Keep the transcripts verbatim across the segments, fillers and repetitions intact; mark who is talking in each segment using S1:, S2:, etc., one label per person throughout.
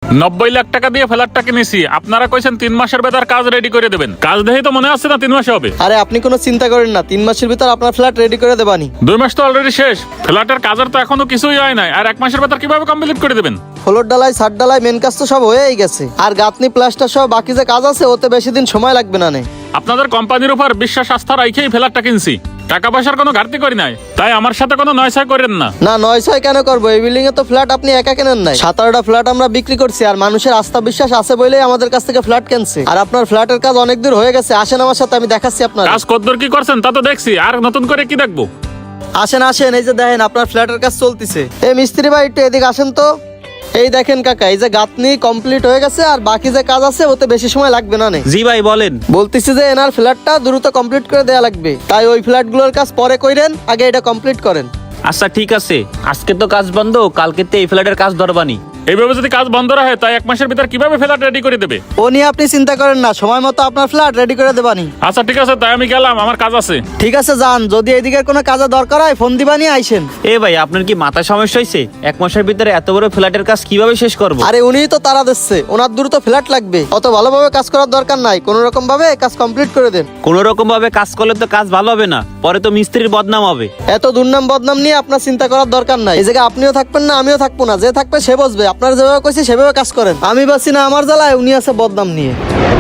S1: নব্বই লাখ টাকা দিয়ে ফ্ল্যাটটা কিনেছি, আপনারা কইছেন তিন মাসের ভেতর কাজ রেডি করে দেবেন। কাজ দেখেই তো মনে হচ্ছে না তিন মাসে হবে।
S2: আরে আপনি কোনো চিন্তা করেন না, তিন মাসের ভিতর আপনার ফ্ল্যাট রেডি করে দেবানি।
S1: দুই মাস তো অলরেডি শেষ, ফ্ল্যাটের কাজের তো এখনো কিছুই হয় নাই, আর এক মাসের ভেতর কিভাবে কমপ্লিট করে দেবেন?
S2: ফ্লোর ডালাই, ছাদ ডালাই, মেন কাজ তো সব হয়েই গেছে, আর গাঁথনি প্লাস্টার সহ বাকি যে কাজ আছে ওতে বেশি দিন সময় লাগবে না। নে
S1: আপনাদের কোম্পানির উপর বিশ্বাস আস্থা রাখেই ফ্ল্যাটটা কিনছি, টাকা পয়সার কোনো ঘাটতি করি নাই, তাই আমার সাথে কোনো নয়ছয় করেন না।
S2: না নয় ছয় কেন করবো, এই বিল্ডিং এ তো ফ্ল্যাট আপনি একা কেনেন নাই, সাত আটটা ফ্ল্যাট আমরা বিক্রি করছি, আর মানুষের আস্থা বিশ্বাস আছে বলেই আমাদের কাছ থেকে ফ্ল্যাট কিনছে। আর আপনার ফ্ল্যাটের কাজ অনেক দূর হয়ে গেছে, আসেন আমার সাথে, আমি দেখাচ্ছি আপনার
S1: কাজ কতদূর কি করছেন তা তো দেখছি, আর নতুন করে কি দেখবো?
S2: আসেন আসেন, এই যে দেখেন আপনার ফ্ল্যাটের কাজ চলতেছে। এই মিস্ত্রি ভাই একটু এদিকে আসেন তো। এই দেখেন কাকা, এই যে গাঁথনি কমপ্লিট হয়ে গেছে, আর বাকি যে কাজ আছে ওতে বেশি সময় লাগবে না। নে
S3: জি ভাই বলেন।
S2: বলতেছি যে এনার ফ্ল্যাটটা দ্রুত কমপ্লিট করে দেয়া লাগবে, তাই ওই ফ্ল্যাটগুলোর কাজ পরে কইরেন, আগে এটা কমপ্লিট করেন।
S3: আচ্ছা ঠিক আছে, আজকে তো কাজ বন্ধ, কালকে তো এই ফ্ল্যাটের কাজ ধরবানি।
S1: এইভাবে যদি কাজ বন্ধ রাখে তাই এক মাসের ভিতর কিভাবে ফ্ল্যাট রেডি করে দেবে?
S2: ও নিয়ে আপনি চিন্তা করেন না, সময় মতো আপনার ফ্ল্যাট রেডি করে দেবানি।
S1: আচ্ছা ঠিক আছে, তাই আমি গেলাম, আমার কাজ আছে।
S2: ঠিক আছে যান, যদি এদিকের কোনো কাজে দরকার হয় ফোন দিবানি, আইসেন।
S3: এ ভাই আপনার কি মাথা সমস্যা হয়েছে? এক মাসের ভিতরে এত বড় ফ্ল্যাটের কাজ কিভাবে শেষ করব?
S2: আরে উনিই তো তারা দিচ্ছে, ওনার দ্রুত ফ্ল্যাট লাগবে, অত ভালোভাবে কাজ করার দরকার নাই, কোন রকম ভাবে কাজ কমপ্লিট করে দেন।
S3: কোন রকম ভাবে কাজ করলে তো কাজ ভালো হবে না, পরে তো মিস্ত্রির বদনাম হবে।
S2: এত দুর্নাম বদনাম নিয়ে আপনার চিন্তা করার দরকার নাই, এই জায়গায় আপনিও থাকবেন না, আমিও থাকবো না, যে থাকবে সে বসবে। আপনার যেভাবে কইছি সেভাবে কাজ করেন, আমি বাসি না আমার জ্বালায়, উনি আছে বদনাম নিয়ে।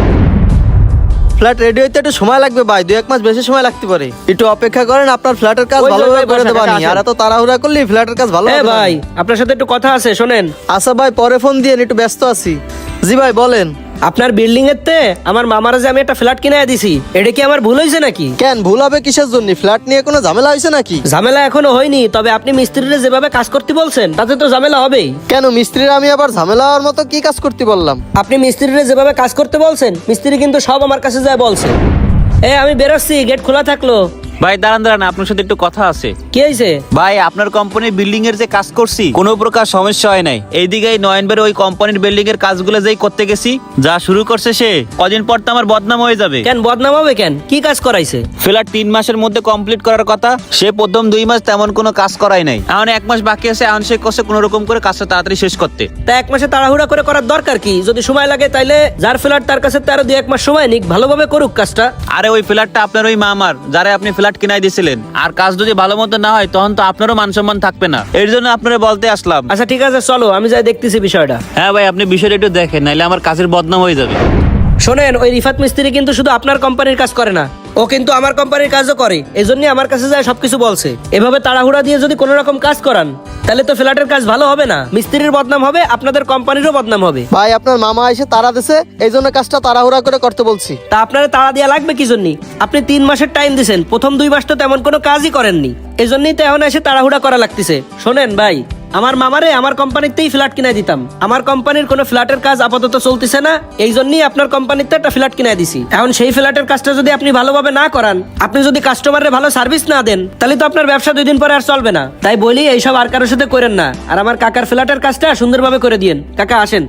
S2: ফ্ল্যাট রেডি হইতে একটু সময় লাগবে ভাই, দুই এক মাস বেশি সময় লাগতে পারে, একটু অপেক্ষা করেন, আপনার ফ্ল্যাটের কাজ ভালোভাবে করে দেবানি। আর এত তাড়াহুড়া করলে ফ্ল্যাটের কাজ ভালো হবে না।
S4: ভাই আপনার সাথে একটু কথা আছে, শোনেন।
S2: আচ্ছা ভাই, পরে ফোন দিয়ে একটু ব্যস্ত আছি। জি ভাই বলেন।
S4: আপনার বিল্ডিং এর তে আমার মামারা যে আমি একটা ফ্ল্যাট কিনে দিছি, এটা কি আমার ভুল হয়েছে নাকি?
S2: কেন ভুল হবে কিসের জন্য? ফ্ল্যাট নিয়ে কোনো ঝামেলা হয়েছে নাকি?
S4: ঝামেলা এখনো হয়নি, তবে আপনি মিস্ত্রিরা যেভাবে কাজ করতে বলছেন তাতে তো ঝামেলা হবেই।
S2: কেন মিস্ত্রিরা আমি আবার ঝামেলা হওয়ার মতো কি কাজ করতে বললাম?
S4: আপনি মিস্ত্রিরা যেভাবে কাজ করতে বলছেন, মিস্ত্রি কিন্তু সব আমার কাছে যায় বলছে। এ আমি বেরোচ্ছি, গেট খোলা থাকলো।
S3: ভাই দাঁড়ান দাঁড়ান, আপনার সাথে একটু কথা আছে।
S4: কি হয়েছে?
S3: ভাই আপনার কোম্পানির বিল্ডিং এর যে কাজ করছি কোনো প্রকার সমস্যা হয় নাই। এইদিকে নয়নবের ওই কোম্পানির বিল্ডিং এর কাজগুলো যেই করতে গেছি, যা শুরু করছে সে, কদিন পর তো আমার বদনাম হয়ে যাবে।
S4: কেন বদনাম হবে কেন? কি কাজ করাইছে?
S3: ফ্ল্যাট তিন মাসের মধ্যে কমপ্লিট করার কথা, সে প্রথম দুই মাস তেমন কোনো কাজ করাই নাই, এখন এক মাস বাকি আছে, এখন সে কষ্ট কোনো রকম করে কাজটা তাড়াতাড়ি শেষ করতে।
S4: তা এক মাসে তাড়াহুড়া করে করার দরকার কি? যদি সময় লাগে তাইলে যার ফ্ল্যাট তার কাছে তার দুই এক মাস সময় নিক, ভালোভাবে করুক কাজটা।
S3: আরে ওই ফ্ল্যাটটা আপনার ওই মামার, যারা আপনি ফ্ল্যাট কিনাই দিয়েছিলেন, আর কাজ যদি ভালো মতো না হয় তখন তো আপনারও মান সম্মান থাকবে না, এর জন্য আপনারা বলতে আসলাম।
S4: আচ্ছা ঠিক আছে, চলো আমি যাই দেখতেছি বিষয়টা।
S3: হ্যাঁ ভাই, আপনি বিষয়টা একটু দেখেন, নাহলে আমার কাজের বদনাম হয়ে যাবে।
S4: শোনেন, ওই রিফাত মিস্ত্রি কিন্তু শুধু আপনার কোম্পানির কাজ করে না, ও কিন্তু আমার কোম্পানির কাজও করে, এই জন্য আমার কাছে যায় সবকিছু বলছে। এভাবে তাড়াহুড়া দিয়ে যদি কোনো রকম কাজ করান তাহলে তো ফ্ল্যাটের কাজ ভালো হবে না, মিস্ত্রির বদনাম হবে, আপনাদের কোম্পানিরও বদনাম হবে।
S2: ভাই আপনার মামা এসে তাড়া দিছে, এই জন্য কাজটা তাড়াহুড়া করে করতে বলছি।
S4: তা আপনারা তাড়া দেওয়া লাগবে কি জন্য? আপনি তিন মাসের টাইম দিয়েছেন, প্রথম দুই মাস তো তেমন কোনো কাজই করেননি, এই জন্যই তো এখন এসে তাড়াহুড়া করা লাগতেছে। শোনেন ভাই, আমার মামারে আমার কোম্পানিতেই ফ্ল্যাট কিনে দিতাম, আমার কোম্পানির কোনো ফ্ল্যাটের কাজ আপাতত চলতেছে না, এই জন্যই আপনার কোম্পানিতে একটা ফ্ল্যাট কিনে দিছি। এখন সেই ফ্ল্যাটের কাজটা যদি আপনি ভালোভাবে না করান, আপনি যদি কাস্টমারের ভালো সার্ভিস না দেন, তাহলে তো আপনার ব্যবসা দুই দিন পরে আর চলবে না। তাই বলি এইসব আর কারোর সাথে করেন না, আর আমার কাকার ফ্ল্যাটের কাজটা সুন্দরভাবে করে দিয়েন। কাকা আসেন।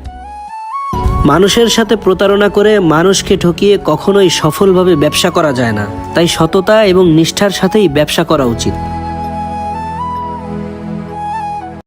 S4: মানুষের সাথে প্রতারণা করে মানুষকে ঠকিয়ে কখনোই সফলভাবে ব্যবসা করা যায় না, তাই সততা এবং নিষ্ঠার সাথেই ব্যবসা করা উচিত।